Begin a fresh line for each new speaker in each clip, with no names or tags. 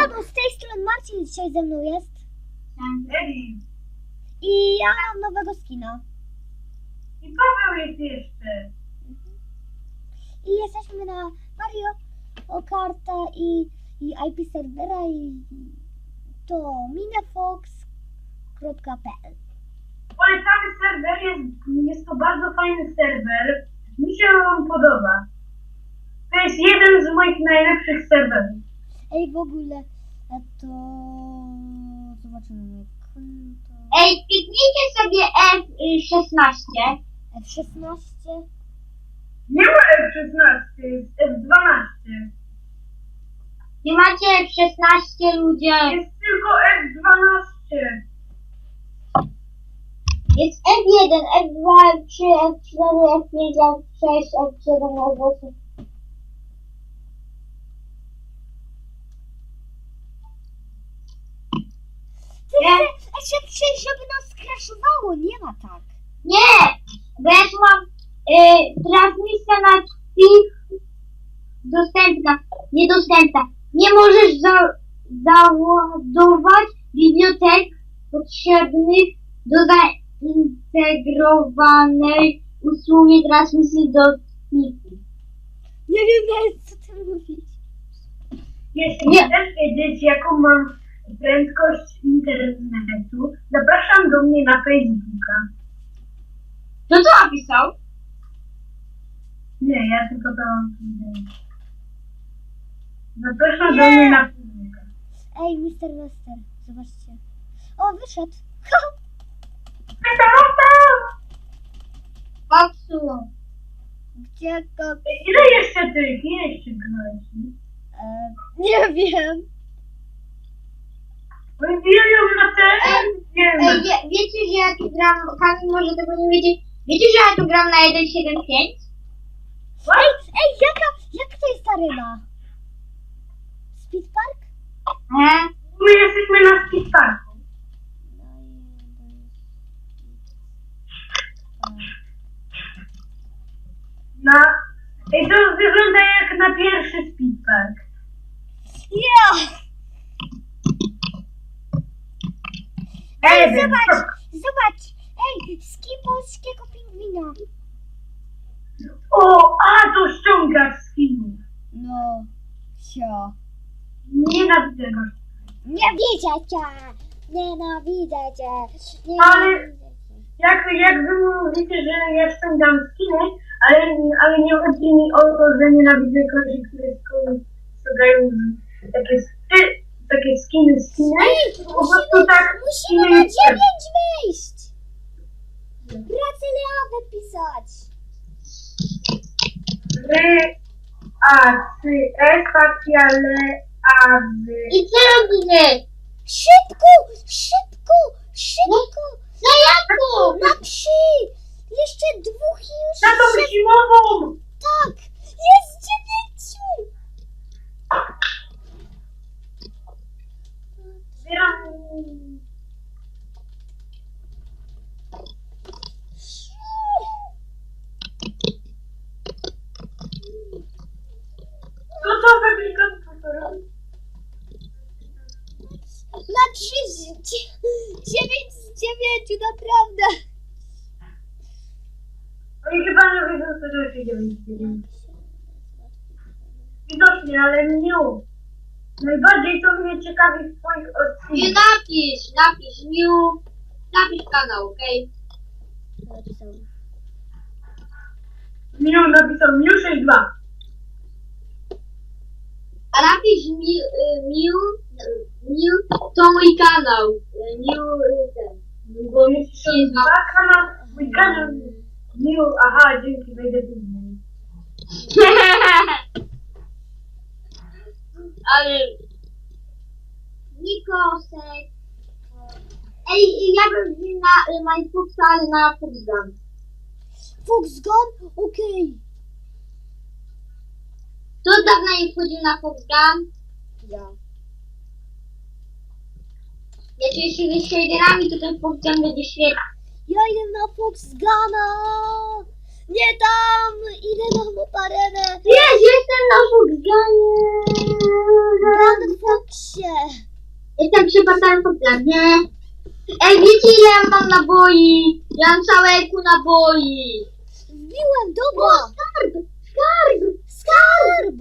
Siemano, z tej strony Marcin dzisiaj ze mną jest. I ja mam nowego skina.
I Paweł jest jeszcze.
I jesteśmy na Mario Karta i IP serwera i to minefox.pl.
Polecamy serwer, jest to bardzo fajny serwer. Mi się on podoba. To jest jeden z moich najlepszych serwerów.
Ej, w ogóle to zobaczymy moje konto.
Ej, kliknijcie sobie F16.
F16.
Nie ma F16, jest F12.
Nie macie F16, ludzie.
Jest tylko F12.
Jest F1, F2, F3, F4, F5, F6, F7, F8.
Żeby nas skraszowało, nie ma tak.
Nie! Bo ja tu mam transmisja na tych dostępna, niedostępna. Nie możesz załadować bibliotek potrzebnych do zaintegrowanej usługi transmisji do pliku.
Nie wiem nawet co ty mówisz.
Jeśli chcesz wiedzieć, jaką mam prędkość internetu, zapraszam do mnie na Facebooka.
To co napisał?
Nie, ja tylko to powiedziałem. Zapraszam do mnie na Facebooka.
Ej, Mr. Wester, zobaczcie. O, wyszedł.
Popsuł.
Gdzie go...
Ile jeszcze tych? Ile jeszcze gnojci?
Nie wiem.
Wbijają na ten? Nie wiem.
Wiecie, że ja tu gram, Kamil może tego nie wiedzieć, wiecie, że ja tu gram na 1.7.5?
Ej, jaka to jest arena? Speed Park?
My jesteśmy na skateparku. Ej, to wygląda jak na pierwszy speedpark.
Ja! Ej, zobacz! Ej, skin polskiego pingwina.
O, a to ściągasz skinów.
No, sio.
Nienawidzę go.
Nienawidzę cię! Nienawidzę cię!
Ale jak wy mówicie, że ja ściągam skiny, ale nie chodzi mi o to, że nienawidzę kogoś, które ściągają takie skiny.
Ej,
Po prostu tak
musimy na 9 wejść! Brazylia wypisać!
Spacjale,
I co robimy?
Szybko! Szybko! Szybko!
Na jaką?
Na 3! Jeszcze 2 i już...
na tą zimową!
Tak! Jest 9!
Zbieram... No to wyklikam tutorial.
Na 3 9 z 9, naprawdę!
Oni chyba nie wiedzą, co to się dzieje. Widocznie, ale nie. Najbardziej to mnie ciekawi w twoich
Nie
odcinkach.
napisz napisz kanał, okej?
Miu napisał Miu 62.
A napisz Miu, to mój kanał. Miu, ten. Bo mi się
Tak, kanał, mój kanał. Miu, aha, dzięki, wejdę później.
Ale... Nikosek. Ej, ja bym wziął na Minecrafta, ale na Foxgun.
Foxgun? Okej.
Kto dawno nie wchodził na Foxgun?
Ja.
Jak się z shaderami, to ten Foxgun będzie świetny.
Ja idę na Foxguna! Nie tam! Idę na moparenę!
Jest, jestem na Foxgunie!
Na Foxie!
Jestem przy portalu po planie. Ej, wiecie ile ja mam naboi? Ja mam całe eku naboi.
Wbiłem,
O,
dobra.
skarb! Skarb!
Skarb!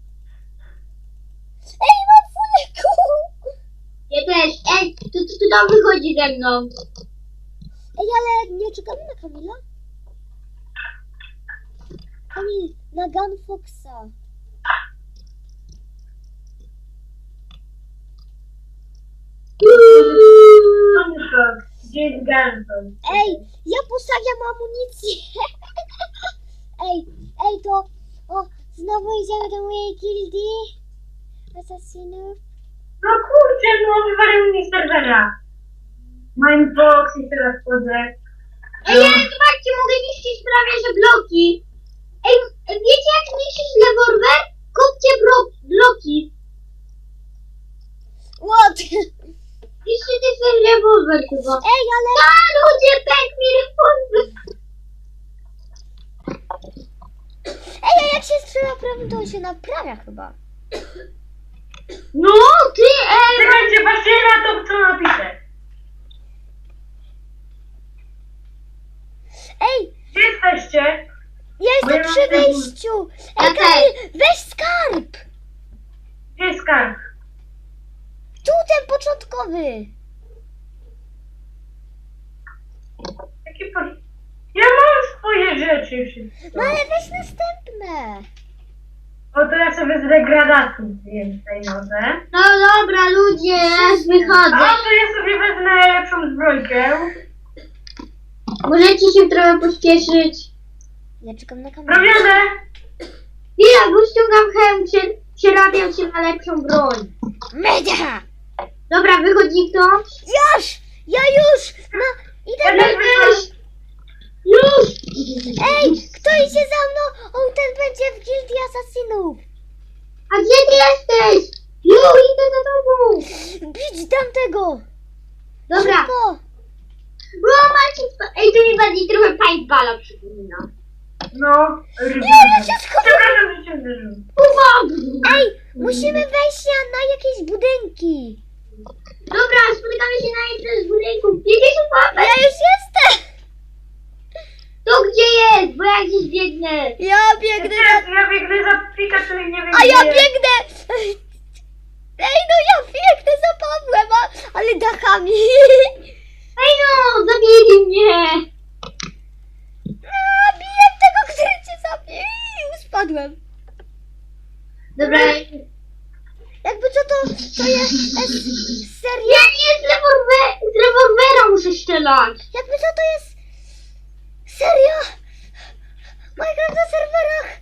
Ej, mam fuleku!
Ja też. Ej, to tam wychodzi ze mną.
Ej, ale nie czekamy na Kamila? Kamil, na Gunfoxa.
Gdzie jest Ganson?
Ej, ja postawiam amunicję. Ej, to... O, znowu idziemy do mojej gildii asasinów.
No kurczę, no wywalił mnie z serwera. Mindbox i teraz wchodzę.
Ej, ale zobaczcie, mogę niszczyć prawie że bloki. Ej, wiecie jak niszczyć rewolwer? Kupcie bloki.
What?
Niszczycie ten rewolwer chyba.
Ej, ale...
A, ludzie, pęk mi rewolwer.
Ej, a jak się strzela prawym, to on się naprawia chyba.
No, ty, ej.
Czekajcie, patrzcie na to, co napiszę.
Ej,
Gdzie jesteście?
ja jestem przy wyjściu. Ej,
Ja
Kamil, weź skarb.
Gdzie jest skarb?
Tu ten początkowy.
Jaki po... Ja mam swoje rzeczy wszystko.
No ale weź następne.
O, to ja sobie z degradacji zjem tej nodze.
No dobra, ludzie, ja już
A,
wychodzę.
to ja sobie wezmę lepszą zbrojkę.
Możecie się trochę pośpieszyć.
Ja czekam na kamerę.
Robione!
Chwila, bo ściągam hełm, przerabiam się na lepszą broń.
Media!
Dobra, wychodzi kto?
Już! Ja już! No, idę
Ja
na...
też wyszłam.
Już!
Ej, kto idzie za mną? On ten będzie w gildii asasinów.
A gdzie ty jesteś? Ju, idę za tobą.
Bić tamtego!
Dobra.
Szybko!
Bo macie... Ej, to mi bardziej trochę paintballa przypomina.
No,
Nie, ja się schowałem!
Przepraszam, że cię uderzyłem.
Ej, musimy wejść na jakieś budynki.
Dobra, spotykamy się na jednym z budynków. Jedziesz
Ja już jestem!
To gdzie jest? Bo ja gdzieś biegnę.
Ja biegnę za...
Ja biegnę za Pikachu i nie wiem
A ja
gdzie.
biegnę! Ej, no ja biegnę za Pawłem, ale dachami.
Ej no, zabili mnie.
A, biję tego, który cię zabił. Spadłem.
Dobra.
Jakby co to jest seria?
Ja nie, z rewolwera muszę strzelać.
Jakby co to jest seria? Minecraft na serwerach.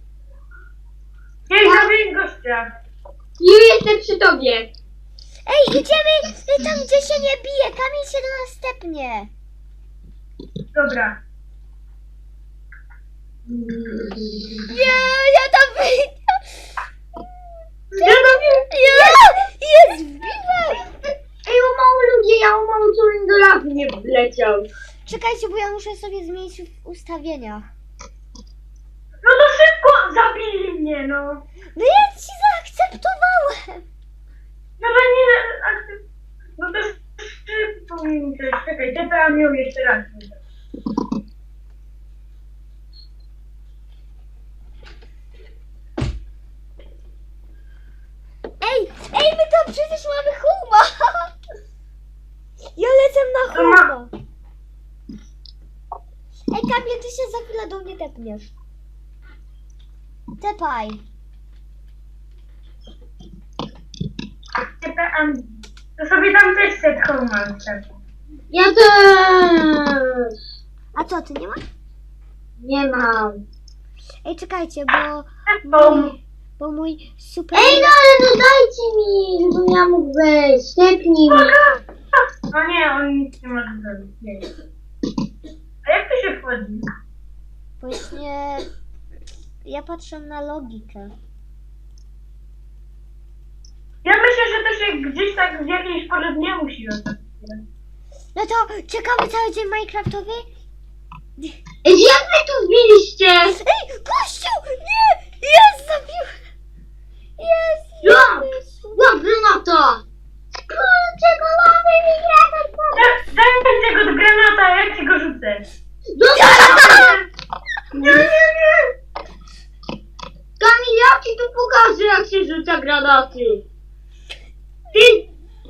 Nie, zabiję gościa.
Ju, jestem przy tobie.
Ej, idziemy tam, gdzie się nie bije. Kamil się do nas stepnie.
Dobra.
Nie, ja tam wyjdę.
Ja robię.
Jest, wbiłem.
Ej, o mało ludzie, ja o mało co do lawy nie wleciał.
Czekajcie, bo ja muszę sobie zmienić w ustawieniach.
No to szybko zabili mnie, no.
No ja ci zaakceptowałem.
No to nie... No to szybko mi coś. Czekaj, TPA miał jeszcze raz.
Ej, my tam przecież mamy huma. Ja lecę na
To ma-
huma. Ej, Kamil, ty się za chwilę do mnie tepniesz. Tepaj.
TPA... To sobie tam też set home mam.
Ja też.
A co, ty nie masz?
Nie mam.
Ej, czekajcie,
Home.
bo mój super...
Ej, no ale no dajcie mi, żebym ja mógł wejść. Stepnij mi.
No nie, on nic nie może zrobić. Nie. A jak to się wchodzi?
Właśnie... Ja patrzę na logikę.
Ja myślę, że to się gdzieś tak w jakiejś porze dnia musi robić.
No to czekamy cały dzień Minecraftowy?
Ej, jak wy tu wbiliście?
Ej, gościu! Nie! Jest, zabił! Jest!
Ja! Łapy na to! rzeczy. Ty...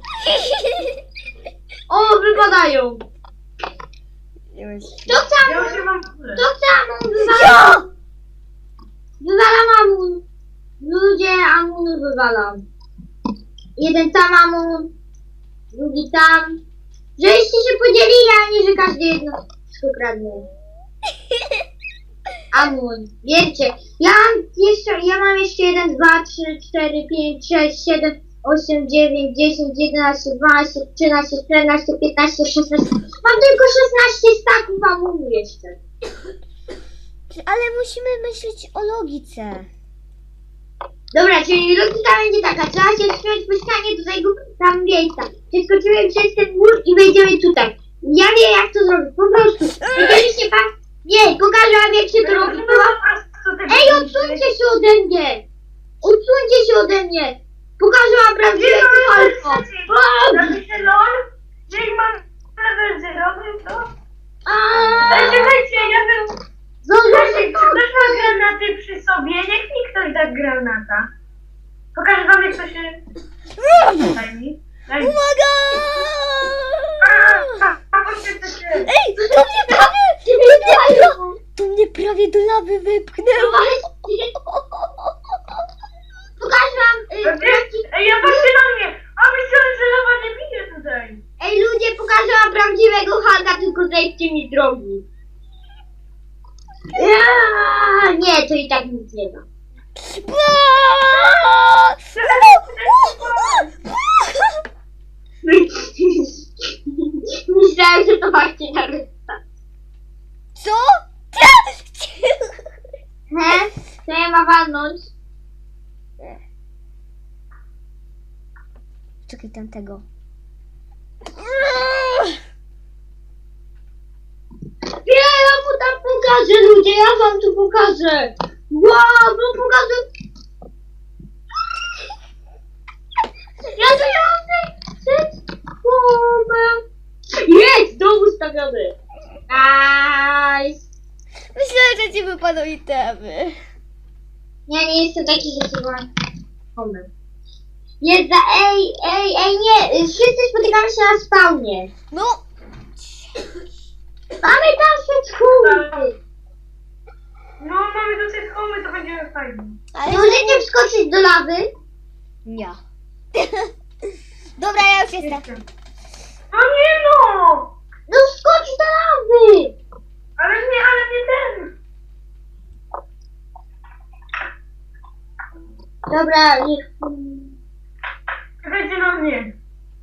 O, wypadają. Kto chce
Ja
amun?
się mam...
Kto chce amun? Wywalam. Wywalam amun. Ludzie, amun wywalam. Jeden tam amun, drugi tam. Żeście się podzielili, a nie, że każdy jedno kradnie. Amun, wiecie, ja mam jeszcze 1, 2, 3, 4, 5, 6, 7, 8, 9, 10, 11, 12, 13, 14, 15, 16. Mam tylko 16 staków amunu jeszcze.
Ale musimy myśleć o logice.
Dobra, czyli logika będzie taka, trzeba się wspiąć po ścianie do tego tam miejsca. Przeskoczymy przez ten mur i wejdziemy tutaj. Ja wiem jak to zrobić, po prostu. Jeżeli się pan... Nie, pokażę wam jak się to robi. Ej, odsuńcie się ode mnie! Odsuńcie się ode mnie! Pokażę wam prawdziwe alfa.
Napiszę LOL, jak mam level 0, to... Czekajcie, ja bym... Czy ktoś ma granaty przy sobie? Niech mi ktoś da granata. Pokażę wam jak to się... Daj mi. Daj mi.
Uwaga!
Poświęcę się.
Ej, to mnie prawie do lawy wypchnęło.
Pokażę wam...
Ej, ja patrzę na mnie! A myślałem, że lawa nie bije tutaj.
Ej ludzie, pokażę wam prawdziwego Hulka, tylko zejdźcie mi z drogi. Nie, to i tak nic nie da. Myślałem, że to właśnie na reszta.
Co?
Co ja ma walnąć?
Czekaj tamtego.
Ja mu tam pokażę ludzie, ja wam tu pokażę. Wow, wam pokażę. Ja tu mam jest, dom ustawiony. Nice.
Myślałem, że ci wypadną itemy.
Ja nie jestem taki, że się wam pomył. Jest za... Ej, nie, wszyscy spotykamy się na spawnie.
No,
Mamy tam schody.
No, mamy do tej homy, to będzie fajnie.
ale...
Możecie wskoczyć do lawy?
Nie. Dobra, ja już jestem.
No nie no!
No wskocz do lawy.
Ale nie ten!
Dobra, niech...
Czekajcie na mnie.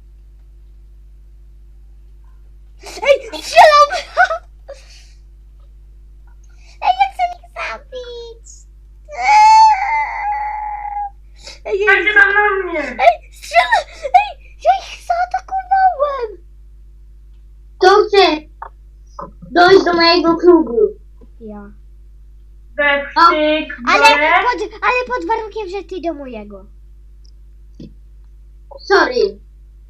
Ej, strzelam! Ej, ja chcę ich zabić! Ej,
Czekajcie tam na mnie.
ej, strzelam! Ej, ja ich zaatakowałem!
Kto chce dojść do mojego klubu?
Ja.
Depsztyk,
Ale pod warunkiem, że ty do mojego.
Sorry.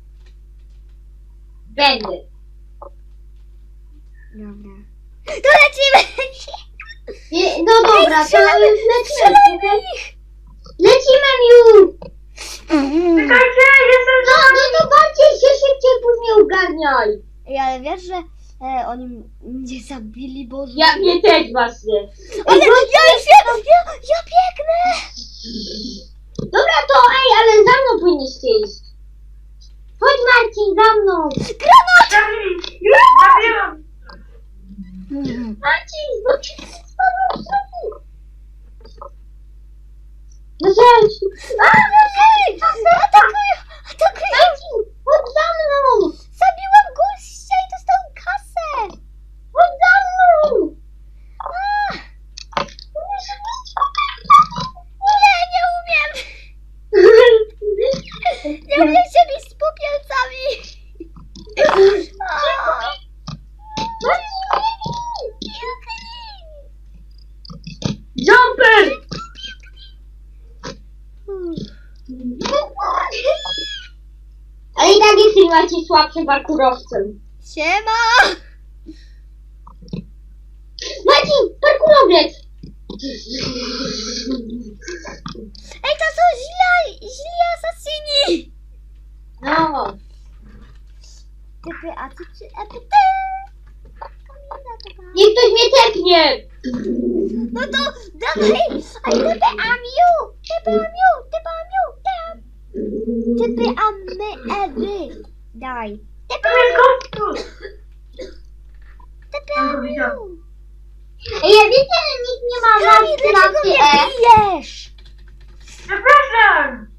Będę.
Dobra. To lecimy!
No dobra, to
strzelamy,
już lecimy.
strzelamy ich!
Lecimy już.
Czekajcie, jestem
No to bardziej się szybciej później ogarniaj.
Ej, ale wiesz, że oni mnie zabili, bo...
Ja mnie też właśnie.
Ale ja biegnę!
Dobra to ale za mną powinniście iść. Chodź Marcin, za mną.
Zabiłam!
Marcin, bo ty spadłeś w szoku. No chodź.
Atakują!
Marcin, chodź za mną.
Zabiłem gościa i dostał kasę!
Chodź za mną.
Nie umiem! Nie umiem się bić z popielcami!
Jumper! Ale i tak jesteś Marcin słabszym parkurowcem.
Siema!
Marcin, parkurowiec!
Ej, to są źli asasyni!
No.
Typy, a ty czy EPT?
Niech ktoś mnie tepnie!
No to dawaj! A typy amiu! Typy amiu! Typy amiu! Typy amy ewy! Daj! Typy
To jest
amiu!
gościu!
Typy
Tam go widziałem.
amiu!
Ej, ja wiecie, że nikt nie ma
Kamil, dlaczego
klasy
mnie
E?
bijesz?
Przepraszam!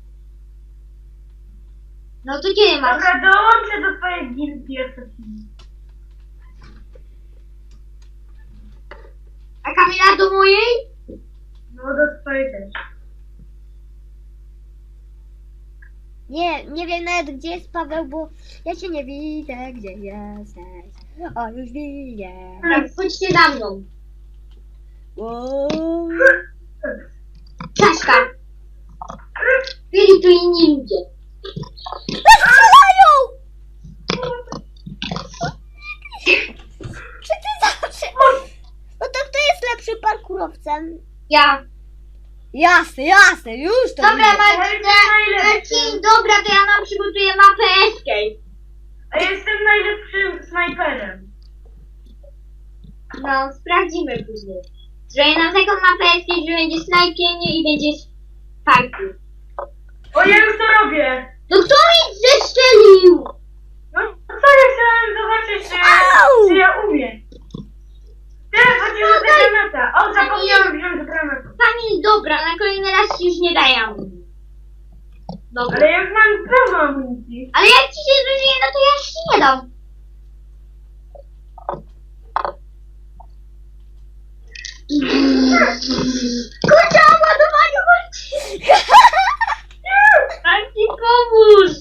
No to kiedy masz?
Dobra, dołączę do twojej gildii asasini.
A Kamila do mojej?
No do twojej też.
Nie wiem nawet gdzie jest Paweł, bo ja cię nie widzę, gdzie jesteś. O, już widzę.
Tak, chodźcie za mną.
Wow.
Czaszka. Byli tu inni ludzie.
Strzelają! Czy ty zawsze... No to kto jest lepszy parkurowcem?
Ja.
Jasne, już to
Dobra,
widzę.
Marcin, dobra, to ja nam przygotuję mapę Escape.
A ja jestem najlepszym snajperem.
No, sprawdzimy później. Zrobię nam taką mapę Escape, że będzie snajpienie i będzie parkour.
O, ja już to robię!
No kto mi zestrzelił?
No co ja chciałem zobaczyć,
Au!
czy ja umiem. Teraz chodziło do granata. O, zapomniałem wziąć granatu.
Kamil, dobra, na kolejny raz ci już nie daję amunicji. Dobra.
Ale ja już mam pełno amunicji.
Ale jak ci się zużyje, no to ja już ci nie dam. Kurczę, ładowanie chodź! Marcin, pomóż!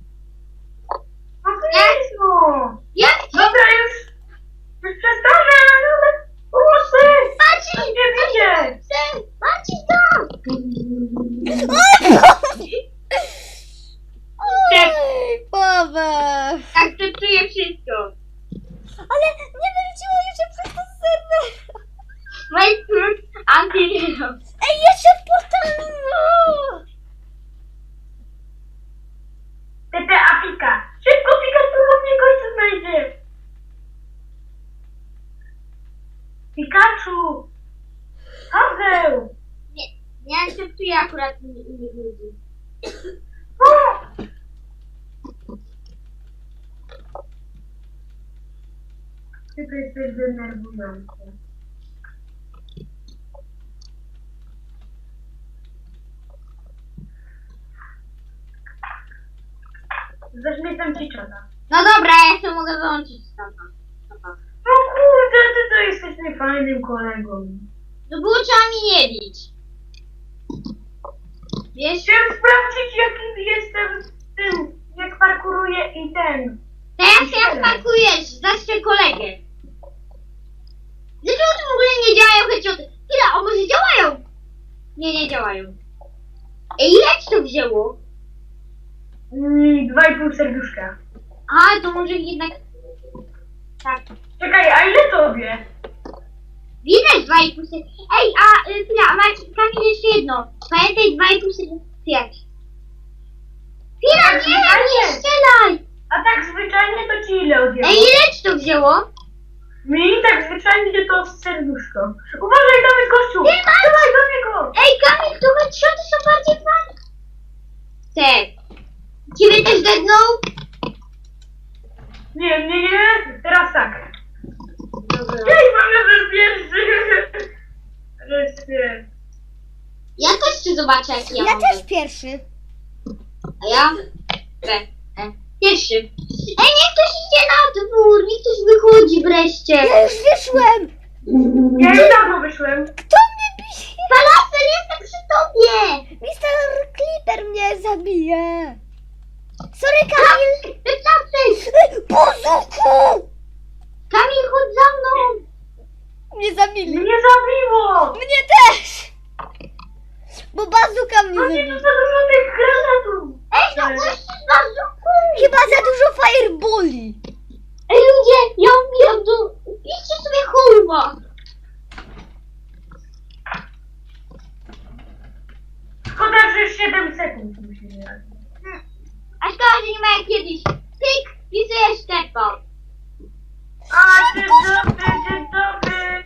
No koniecznie.
Jak ci...
Dobra, już przestanę, ale pomocy!
Marcin!
Nie widzę!
Marcin, tam!
Oj, Paweł.
Tak, to czuję wszystko.
Ale nie wyrzuciło jeszcze przez ten serwer.
Marcin, antyhero.
Ej, jeszcze w portalu.
Typy Afika. Szybko, Pikachu, bo mnie gościu znajdzie. Pikachu! Paweł!
Nie akceptuję akurat innych ludzi.
O! Typy jesteś denerwujący. Zaśmiecam ci czata.
No dobra, ja się mogę wyłączyć stąd.
No kurde, ty to jesteś niefajnym kolegą.
No było trzeba mi nie bić. Wiesz,
Chciałem sprawdzić, jaki jestem w tym, jak parkuruję i ten.
teraz jak parkujesz, zastrzel kolegę. Dlaczego to w ogóle nie działają headshoty? Chwila, o może działają? Nie działają. Ej, ile ci to wzięło?
2,5 serduszka.
A, to może jednak... Tak.
Czekaj, a ile tobie?
Widać 2,5 serduszka. Ej, a chwila, a Marcin, Kamil, jeszcze jedno. Pamiętaj 2,5 serduszka. Chwila, nie strzelaj!
A tak zwyczajnie to ci ile odjęło?
Ej, ile ci to wzięło?
Mi tak zwyczajnie to serduszko. Uważaj, tam jest gościu!
Nie, Marcin!
Dawaj do niego!
Ej, Kamil, to headshoty są bardziej fajne. Te. Ciebie też dednął?
Nie, teraz tak.
Dobra.
Ej, mam level pierwszy! Wreszcie.
Ja też chcę zobaczyć, jak ja
Ja
mam.
też pierwszy.
A ja? Pierwszy. Ej, niech ktoś idzie na dwór, niech ktoś wychodzi wreszcie.
Ja już wyszłem.
Ja już dawno wyszłem.
Kto mnie bije?
Falafel, jestem przy tobie.
Mr. Clipper mnie zabije. Sorry, Kamil.
Falafel,
Bozuku!
Kamil, chodź za mną.
Mnie zabili.
Mnie zabiło!
Mnie też. Bo bazuka mnie
No nie,
zabiła.
to za dużo tych granatów!
Ej, no gościu z bazuką.
Chyba za dużo fireboli.
Ej, ludzie, ja umieram do... Idźcie sobie holma. nie ma jak kiedyś. Pyk, pisujesz tempo.
A, dzień dobry, dzień dobry.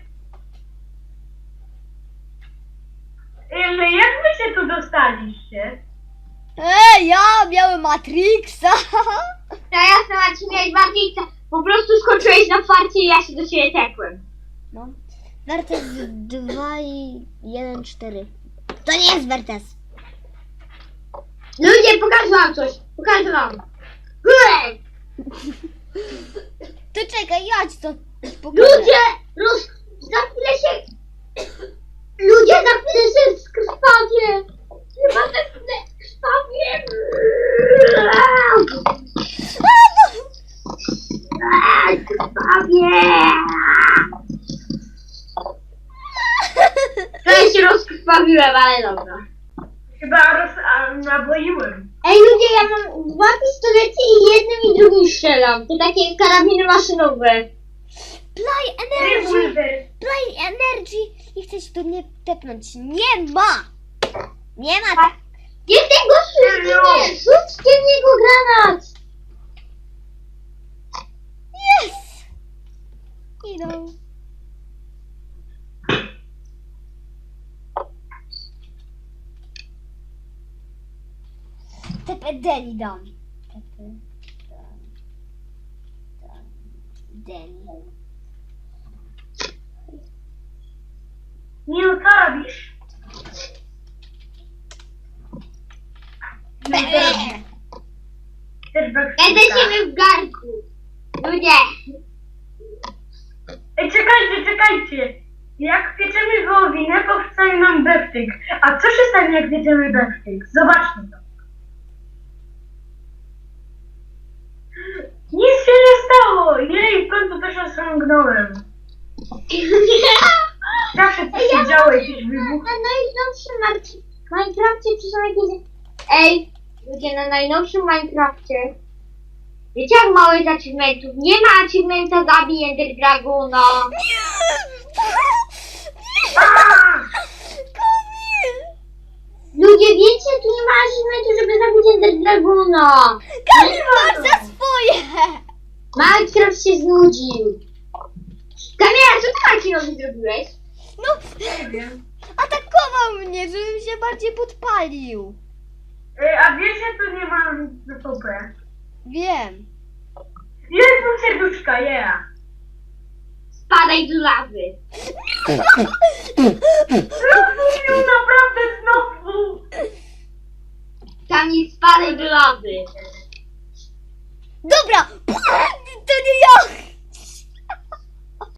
Jak wy się tu dostaliście?
Ja miałem Matrixa.
To jasne, Marcin, miałeś bardziej. Po prostu skoczyłeś na farcie i ja się do ciebie tekłem.
No. Wertes 2 i 1, 4. To nie jest Wertes.
Ludzie, pokażę wam coś. Pokażę wam. Hurra!
To czekaj, ja ci to pokażę.
Ludzie, za chwilę się... Ludzie, za chwilę się skrwawię. Chyba za chwilę krwawię. Krwawię. Trochę się rozkrwawiłem, ale dobra.
Chyba naboiłem.
Ej ludzie, ja mam 2 pistolety i jednym i drugim strzelam. To takie karabiny maszynowe.
Play Energy!
Rewolwer.
Play Energy! I chcę się tu nie tepnąć. Nie ma! Nie ma tak.
Jest ten gościu, nie! Rzućcie w niego granat!
Yes! Idą. Tepę Deni dam. Tepę dam. Deni.
Miu, co robisz? Też
Ja do ciebie w garnku. Ludzie!
Ej, czekajcie. Jak pieczemy wołowinę, powstaje nam beftyk. A co się stanie, jak pieczemy beftyk? Zobaczmy to. Nic się nie stało! Jej, w końcu też osiągnąłem. Zawsze coś się działo, jakiś wybuch.
Na najnowszym Minecrafcie przyszło jakieś... Ej, ludzie, na najnowszym Minecrafcie... Wiecie jak mało jest achievementów? Nie ma achievementa zabij Ender Dragona.
Kamil!
Ludzie, wiecie, tu nie ma achievementu, żeby zabić Ender Dragona.
Kamil, masz za swoje!
Minecraft się znudził. Kamila, co ty Marcinowi zrobiłeś?
No,
Nie wiem.
atakował mnie, żebym się bardziej podpalił.
A wiesz, że tu nie ma PvP?
Wiem.
Jest mu serduszka, yeah.
Spadaj do lawy.
Znowu, naprawdę znowu.
Kamil, spadaj do lawy.
Dobra!